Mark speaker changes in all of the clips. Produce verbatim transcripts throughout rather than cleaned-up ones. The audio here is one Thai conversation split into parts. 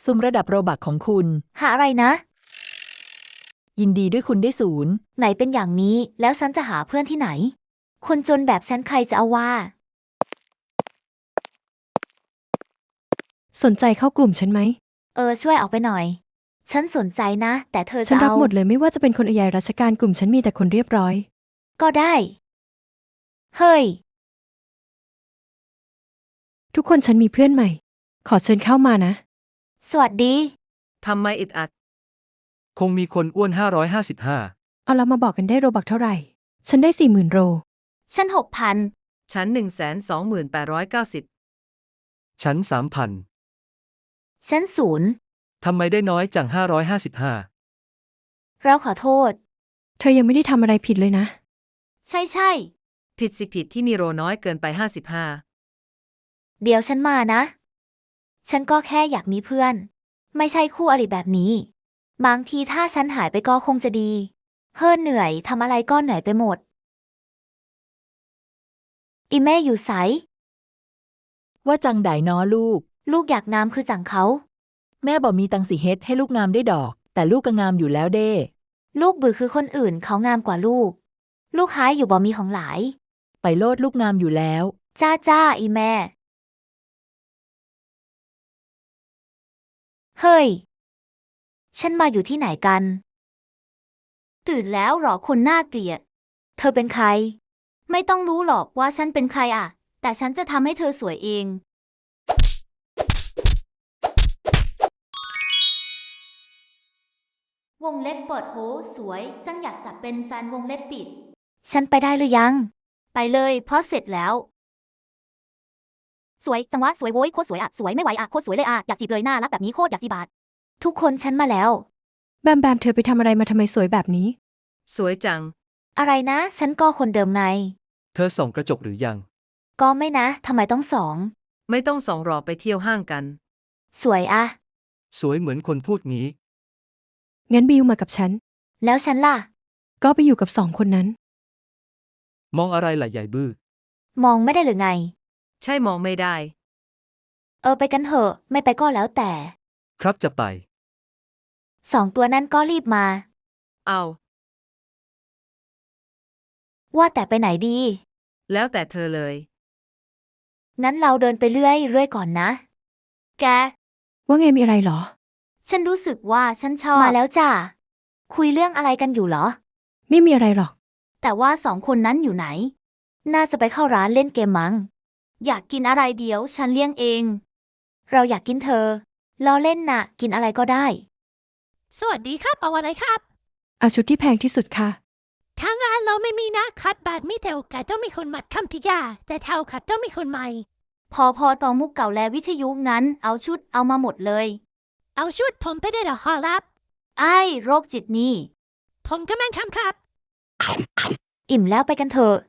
Speaker 1: ซุ่มระดับโรบักของคุณ
Speaker 2: หาอะไรนะ
Speaker 1: ยินดีด้วยคุณได้ศูนย์
Speaker 2: ไหนเป็นอย่างนี้แล้วฉันจะหาเพื่อนที่ไหนคนจนแบบฉันใครจะเอาว่า
Speaker 3: สนใจเข้ากลุ่มฉันไหม
Speaker 2: เออช่วยเอาไปหน่อยฉันสนใจนะแต่เธอจะ
Speaker 3: ฉันรับ
Speaker 2: เอา
Speaker 3: หมดเลยไม่ว่าจะเป็นคนใหญ่ราชการกลุ่มฉันมีแต่คนเรียบร้อย
Speaker 2: ก็ได้เฮ้ย
Speaker 3: ทุกคนฉันมีเพื่อนใหม่ขอเชิญเข้ามานะ
Speaker 2: สวัสดี
Speaker 4: ทำไมอึดอัด
Speaker 5: คงมีคนอ้วนห้าร้อยห้าสิบห้า
Speaker 3: เอาละมาบอกกันได้โรบักเท่าไหร่ฉันได้สี่หมื่นโร
Speaker 2: ฉันหกพัน
Speaker 4: ฉันหนึ่งแสนสองหมื่นแปดร้อยเก้าสิบ
Speaker 5: ฉันสามพัน
Speaker 2: ฉันศูนย์
Speaker 5: ทำไมได้น้อยจังห้าร้อยห้าสิบห้า
Speaker 2: เราขอโทษ
Speaker 3: เธอยังไม่ได้ทำอะไรผิดเลยนะ
Speaker 2: ใช่ใช่
Speaker 4: ผิดสิผิดที่มีโรน้อยเกินไปห้าสิบห้า
Speaker 2: เดี๋ยวฉันมานะฉันก็แค่อยากมีเพื่อนไม่ใช่คู่อริแบบนี้บางทีถ้าฉันหายไปก็คงจะดีเฮ้อเหนื่อยทำอะไรก็เหนื่อยไปหมดอีแม่อยู่ไส
Speaker 1: ว่าจังไดน้อลูก
Speaker 2: ลูกอยากงามคือจังเขา
Speaker 1: แม่บอกมีตังสิเฮ็ดให้ลูกงามได้ดอกแต่ลูกก็งามอยู่แล้วเด้
Speaker 2: ลูกบือคือคนอื่นเขางามกว่าลูกลูกหายอยู่บ่มีของหลาย
Speaker 1: ไปโลดลูกงามอยู่แล้ว
Speaker 2: จ้าจ้าอีแม่เฮ้ยฉันมาอยู่ที่ไหนกันตื่นแล้วหรอคนน่าเกลียดเธอเป็นใครไม่ต้องรู้หรอกว่าฉันเป็นใครอ่ะแต่ฉันจะทำให้เธอสวยเองวงเล็บเปิดโหสวยจังอยากจะเป็นแฟนวงเล็บปิดฉันไปได้หรือยังไปเลยเพราะเสร็จแล้วสวยจังวะสวยโว้ยโคตรสวยอ่ะสวยไม่ไหวอ่ะโคตรสวยเลยอ่ะอยากจีบเลยน่ารักแบบนี้โคตรอยากจีบาดทุกคนฉันมาแล้ว
Speaker 3: แบมแบมเธอไปทำอะไรมาทำไมสวยแบบนี้
Speaker 4: สวยจัง
Speaker 2: อะไรนะฉันก็คนเดิมไง
Speaker 5: เธอส่องกระจกหรือยัง
Speaker 2: ก็ไม่นะทำไมต้องสอง
Speaker 4: ไม่ต้องสองรอไปเที่ยวห้างกัน
Speaker 2: สวยอะ
Speaker 5: สวยเหมือนคนพูดงี้
Speaker 3: งั้นบิวมากับฉัน
Speaker 2: แล้วฉันล่ะ
Speaker 3: ก็ไปอยู่กับสองคนนั้น
Speaker 5: มองอะไรล่ะใหญ่บื้อ
Speaker 2: มองไม่ได้หรือไง
Speaker 4: ใช่มองไม่ได้
Speaker 2: เออไปกันเถอะไม่ไปก็แล้วแต่
Speaker 5: ครับจะไป
Speaker 2: สองตัวนั้นก็รีบมา
Speaker 4: เอา
Speaker 2: ว่าแต่ไปไหนดี
Speaker 4: แล้วแต่เธอเลย
Speaker 2: งั้นเราเดินไปเรื่อยเรื่อยก่อนนะแก
Speaker 3: ว่าไงมีอะไรหรอ
Speaker 2: ฉันรู้สึกว่าฉันชอบมาแล้วจ้ะคุยเรื่องอะไรกันอยู่เหรอ
Speaker 3: ไม่มีอะไรหรอก
Speaker 2: แต่ว่าสองคนนั้นอยู่ไหนน่าจะไปเข้าร้านเล่นเกมมั้งอยากกินอะไรเดี๋ยวฉันเลี้ยงเองเราอยากกินเธอล้อเล่นน่ะกินอะไรก็ได้
Speaker 6: สวัสดีครับเอาอะไรครับ
Speaker 3: เอาชุดที่แพงที่สุดค่ะ
Speaker 6: ทางงานเราไม่มีนะคัดบาทมีแต่โอกาสต้องมีคนมัดคำทิยาแต่เท่าคัดต้องมีคนใหม่
Speaker 2: พอพอตอมุกเก่าและวิทยุงั้นเอาชุดเอามาหมดเลย
Speaker 6: เอาชุดผมไปได้หรอครับ
Speaker 2: ไอ้โรคจิตนี่
Speaker 6: ผมก็แม่นคำครับ
Speaker 2: อิ่มแล้วไปกันเถอะ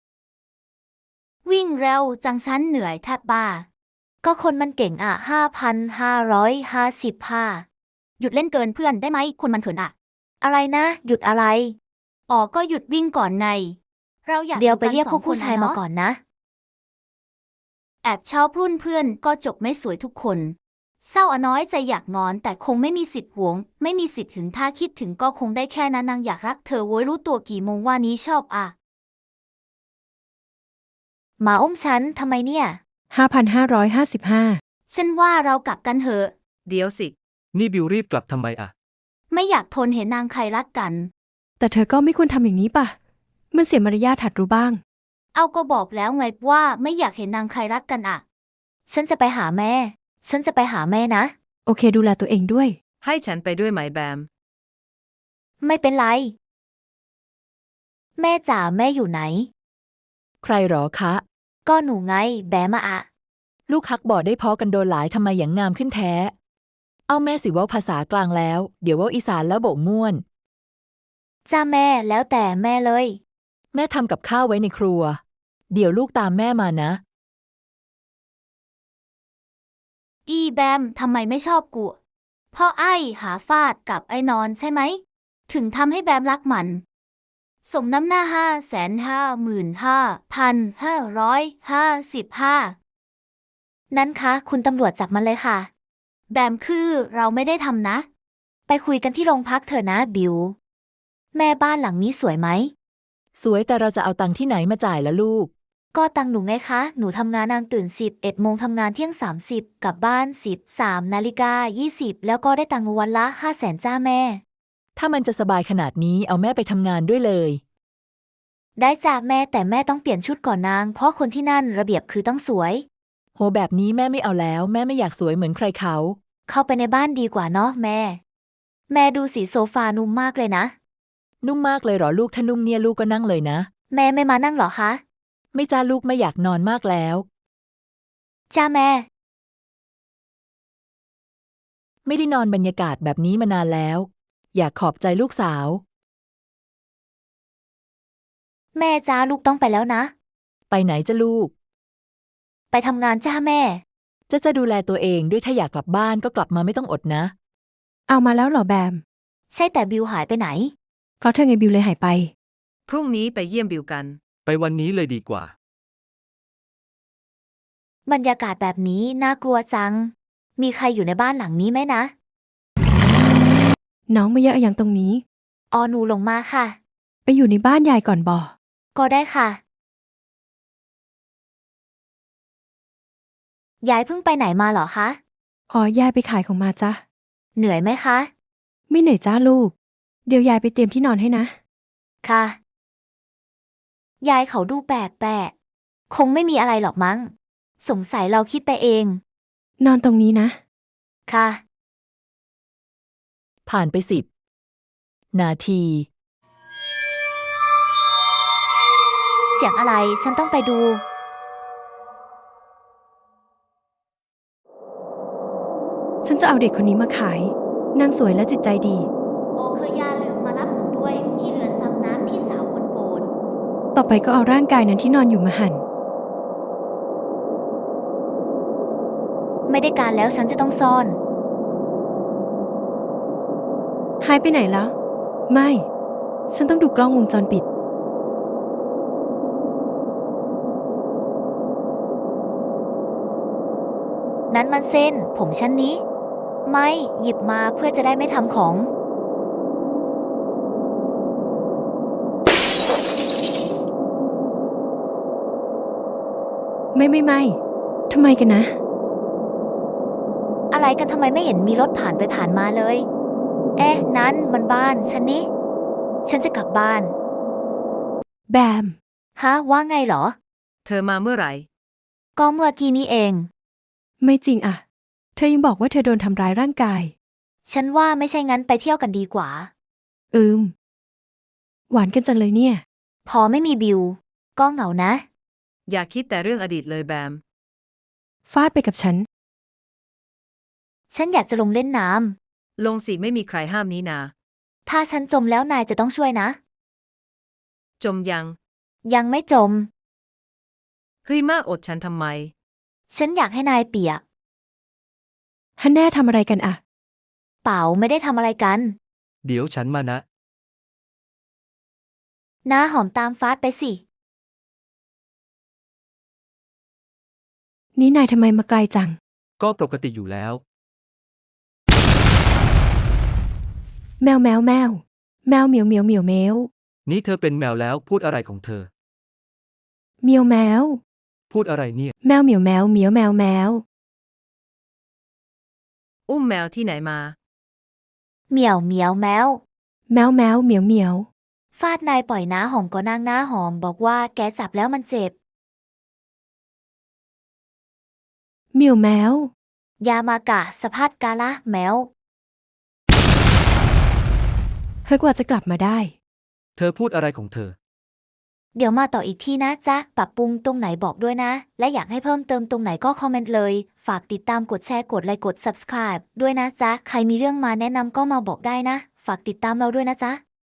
Speaker 2: วิ่งเร็วจังฉันเหนื่อยแทบบ้าก็คนมันเก่งอ่ะห้าพันห้าร้อยห้าสิบห้าหยุดเล่นเกินเพื่อนได้ไหมคนมันเขินอ่ะอะไรนะหยุดอะไรอ๋อก็หยุดวิ่งก่อนไงเราอยากเดี๋ยวไปเรียกพวกผู้ชายมาก่อนนะแอบชอบรุ่นเพื่อนก็จบไม่สวยทุกคนเศร้าอน้อยใจอยากงอนแต่คงไม่มีสิทธิ์หวงไม่มีสิทธิ์ถึงถ้าคิดถึงก็คงได้แค่นั้นนางอยากรักเธอโว้ยรู้ตัวกี่โมงว่านี้ชอบอ่ะหมาอุ้มฉันทำไมเนี่ย
Speaker 3: ห้าพันห้าร้อยห้าสิบห้า
Speaker 2: ฉันว่าเรากลับกันเถอะ
Speaker 4: เดี๋ยวสิ
Speaker 5: นี่บิวรีบกลับทำไมอะ
Speaker 2: ไม่อยากทนเห็นนางใครรักกัน
Speaker 3: แต่เธอก็ไม่ควรทำอย่างนี้ป่ะมันเสียมารยาทหัดรู้บ้าง
Speaker 2: เอาก็บอกแล้วไงว่าไม่อยากเห็นนางใครรักกันอ่ะฉันจะไปหาแม่ฉันจะไปหาแม่นะ
Speaker 3: โอเคดูแลตัวเองด้วย
Speaker 4: ให้ฉันไปด้วยไหมแบม
Speaker 2: ไม่เป็นไรแม่จ๋าแม่อยู่ไหน
Speaker 1: ใครหรอคะ
Speaker 2: ก็หนูไงแบมอะ
Speaker 1: ลูกฮักบอกได้พอกันโดนหลายทำไมอย่างงามขึ้นแท้เอาแม่สิว่าภาษากลางแล้วเดี๋ยวว่าอีสานแล้วโบกม่วน
Speaker 2: จ้าแม่แล้วแต่แม่เลย
Speaker 1: แม่ทำกับข้าวไว้ในครัวเดี๋ยวลูกตามแม่มานะ
Speaker 2: อีแบมทำไมไม่ชอบกูเพราะไอ้หาฟาดกับไอ้นอนใช่ไหมถึงทำให้แบมรักมันสมน้ำหน้าห้าแสนห้าหมื่นห้าพันห้าร้อยห้าสิบห้านั้นคะคุณตำรวจจับมันเลยค่ะแบมคือเราไม่ได้ทำนะ ไปคุยกันที่โรงพักเถอะนะบิว แม่บ้านหลังนี้สวยไหม
Speaker 1: สวยแต่เราจะเอาตังค์ที่ไหนมาจ่ายละลูก
Speaker 2: ก็ตังหนูไงคะ หนูทำงานนางตื่นสิบเอ็ดโมงทำงานเที่ยงสามสิบกลับบ้านสิบสามนาฬิกายี่สิบแล้วก็ได้ตังค์วันละห้าแสนจ้าแม่
Speaker 1: ถ้ามันจะสบายขนาดนี้เอาแม่ไปทำงานด้วยเลย
Speaker 2: ได้จ้าแม่แต่แม่ต้องเปลี่ยนชุดก่อนนาง เพราะคนที่นั่นระเบียบคือต้องสวย
Speaker 1: โหแบบนี้แม่ไม่เอาแล้ว แม่ไม่อยากสวยเหมือนใครเขา
Speaker 2: เข้าไปในบ้านดีกว่าเนาะแม่ แม่ดูสีโซฟานุ่มมากเลยนะ
Speaker 1: นุ่มมากเลยเหรอลูกถ้านุ่มเนี่ยลูกก็นั่งเลยนะ
Speaker 2: แม่ไม่มานั่งเหรอคะ
Speaker 1: ไม่จ้าลูกไม่อยากนอนมากแล้ว
Speaker 2: จ้าแม่
Speaker 1: ไม่ได้นอนบรรยากาศแบบนี้มานานแล้ว อยากขอบใจลูกสาว
Speaker 2: แม่จ้าลูกต้องไปแล้วนะ
Speaker 1: ไปไหนจ้าลูก
Speaker 2: ไปทำงานจ้าแม่
Speaker 1: จะจะดูแลตัวเองด้วยถ้าอยากกลับบ้านก็กลับมาไม่ต้องอดนะ
Speaker 3: เอามาแล้วเหรอแบม
Speaker 2: ใช่แต่บิวหายไปไหน
Speaker 3: เพราะเธอไงบิวเลยหายไป
Speaker 4: พรุ่งนี้ไปเยี่ยมบิวกัน
Speaker 5: ไปวันนี้เลยดีกว่า
Speaker 2: บรรยากาศแบบนี้น่ากลัวจัง มีใครอยู่ในบ้านหลังนี้ไหมนะ
Speaker 3: น้องมาเยอะอย่างตรงนี้
Speaker 2: ออหนูลงมาค่ะ
Speaker 3: ไปอยู่ในบ้านยายก่อนบ่
Speaker 2: ก็ได้ค่ะ ยายเพิ่งไปไหนมาเหรอคะ
Speaker 3: อ๋อยายไปขายของมาจ้ะ
Speaker 2: เหนื่อยไหมคะ
Speaker 3: ไม่เหนื่อยจ้าลูก เดี๋ยวยายไปเตรียมที่นอนให้นะ
Speaker 2: ค่ะ ยายเขาดูแปลกๆ คงไม่มีอะไรหรอกมั้ง สงสัยเราคิดไปเอง
Speaker 3: นอนตรงนี้นะ
Speaker 2: ค่ะ
Speaker 1: ผ่านไปสิบนาที
Speaker 2: เสียงอะไรฉันต้องไปดู
Speaker 3: ฉันจะเอาเด็กคนนี้มาขาย นางสวยและจิตใจดี
Speaker 2: โอเคยอย่าลืมมารับหนูด้วยที่เรือนจำนะพี่สาวคนโปรด
Speaker 3: ต่อไปก็เอาร่างกายนั้นที่นอนอยู่มาหั่น
Speaker 2: ไม่ได้การแล้วฉันจะต้องซ่อน
Speaker 3: หายไปไหนแล้ว ไม่ ฉันต้องดูกล้องวงจรปิด
Speaker 2: นั้นมันเส้น ผมฉันนี้ ไม่หยิบมาเพื่อจะได้ไม่ทำของ
Speaker 3: ไม่ไม่ไม่ทำไมกันนะ
Speaker 2: อะไรกันทำไมไม่เห็นมีรถผ่านไปผ่านมาเลย เอ๊ะ นั้นมันบ้านฉันนี่ ฉันจะกลับบ้าน
Speaker 3: แบม
Speaker 2: ฮะ ว่าไงเหรอ
Speaker 4: เธอมาเมื่อไหร่
Speaker 2: ก็เมื่อกี้นี้เอง
Speaker 3: ไม่จริงอะเธอยังบอกว่าเธอโดนทำร้ายร่างกาย
Speaker 2: ฉันว่าไม่ใช่งั้นไปเที่ยวกันดีกว่า
Speaker 3: อืม หวานกันจังเลยเนี่ย
Speaker 2: พอไม่มีบิว ก็เหงานะ
Speaker 4: อย่าคิดแต่เรื่องอดีตเลยแบม
Speaker 3: ฟาดไปกับฉัน
Speaker 2: ฉันอยากจะลงเล่นน้
Speaker 4: ลงสิไม่มีใครห้ามนี้นา
Speaker 2: ำ ถ้าฉันจมแล้วนายจะต้องช่วยนะ
Speaker 4: จมยัง
Speaker 2: ยังไม่จม
Speaker 4: เฮ้ยมากอดฉันทำไม
Speaker 2: ฉันอยากให้นายเปียก
Speaker 3: ฮันแน่ทำอะไรกันอะ
Speaker 2: เปล่าไม่ได้ทำอะไรกัน
Speaker 5: เดี๋ยวฉันมานะ
Speaker 2: น้าหอมตามฟาดไปสิ
Speaker 3: นี่นายทำไมมาไกลจัง
Speaker 5: ก็ปกติอยู่แล้ว
Speaker 3: แมวแมวแมว แมวเหมียวเหมียวเหมียวแมว
Speaker 5: นี่เธอเป็นแมวแล้วพูดอะไรของเธอ
Speaker 3: เหมียวแมว
Speaker 5: พูดอะไรเนี่ย
Speaker 3: แมวเหมียวแมวเหมียวแมวแมว
Speaker 4: อุ้มแมวที่ไหนมา
Speaker 2: เหมียวเหมียวแมว
Speaker 3: แมวแมวเหมียวเหมียว
Speaker 2: ฟาดนายปล่อยน้าหอมก็นางน้าหอมบอกว่าแกจับแล้วมันเจ็บ
Speaker 3: เหมียวแมว
Speaker 2: ยามากะสะพัดกาละแมว
Speaker 3: เฮ้ยกว่าจะกลับมาได้
Speaker 5: เธอพูดอะไรของเธอ
Speaker 2: เดี๋ยวมาต่ออีกทีนะจ๊ะ ปรับปรุงตรงไหนบอกด้วยนะ และอยากให้เพิ่มเติมตรงไหนก็คอมเมนต์เลย ฝากติดตามกดแชร์กดไลค์กด ซับสไครบ์ ด้วยนะจ๊ะ ใครมีเรื่องมาแนะนำก็มาบอกได้นะ ฝากติดตามเราด้วยนะจ๊ะ